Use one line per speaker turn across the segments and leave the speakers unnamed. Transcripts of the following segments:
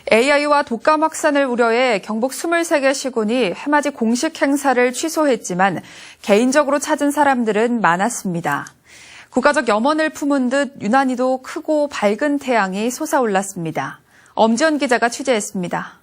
AI와 독감 확산을 우려해 경북 23개 시군이 해맞이 공식 행사를 취소했지만 개인적으로 찾은 사람들은 많았습니다. 국가적 염원을 품은 듯 유난히도 크고 밝은 태양이 솟아올랐습니다. 엄지연 기자가 취재했습니다.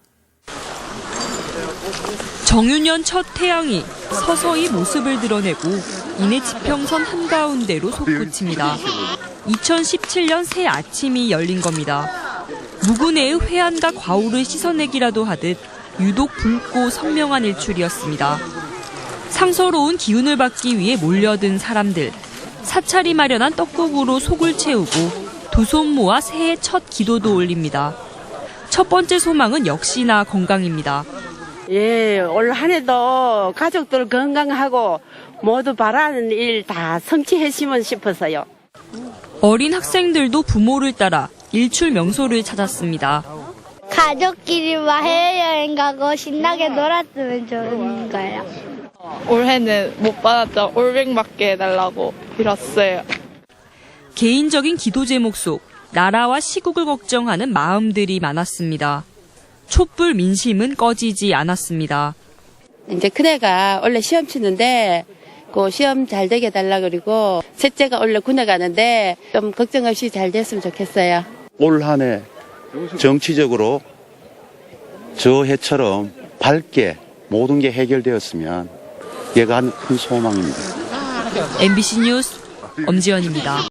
정유년 첫 태양이 서서히 모습을 드러내고 이내 지평선 한가운데로 솟구칩니다. 2017년 새 아침이 열린 겁니다. 무근해의 회한과 과오를 씻어내기라도 하듯 유독 붉고 선명한 일출이었습니다. 상서로운 기운을 받기 위해 몰려든 사람들. 사찰이 마련한 떡국으로 속을 채우고 두 손 모아 새해 첫 기도도 올립니다. 첫 번째 소망은 역시나 건강입니다.
올 한 해도 가족들 건강하고 모두 바라는 일 다 성취했으면 싶어서요.
어린 학생들도 부모를 따라 일출 명소를 찾았습니다.
가족끼리 해외여행 가고 신나게 놀았으면 좋은 거예요.
올해는 못 받았던 올백 맞게 해달라고 빌었어요.
개인적인 기도 제목 속 나라와 시국을 걱정하는 마음들이 많았습니다. 촛불 민심은 꺼지지 않았습니다.
이제 큰애가 원래 시험 치는데 그 시험 잘 되게 해달라 그리고 셋째가 원래 군에 가는데 좀 걱정 없이 잘 됐으면 좋겠어요.
올 한 해 정치적으로 저 해처럼 밝게 모든 게 해결되었으면 얘가 큰 소망입니다.
MBC 뉴스 엄지연입니다.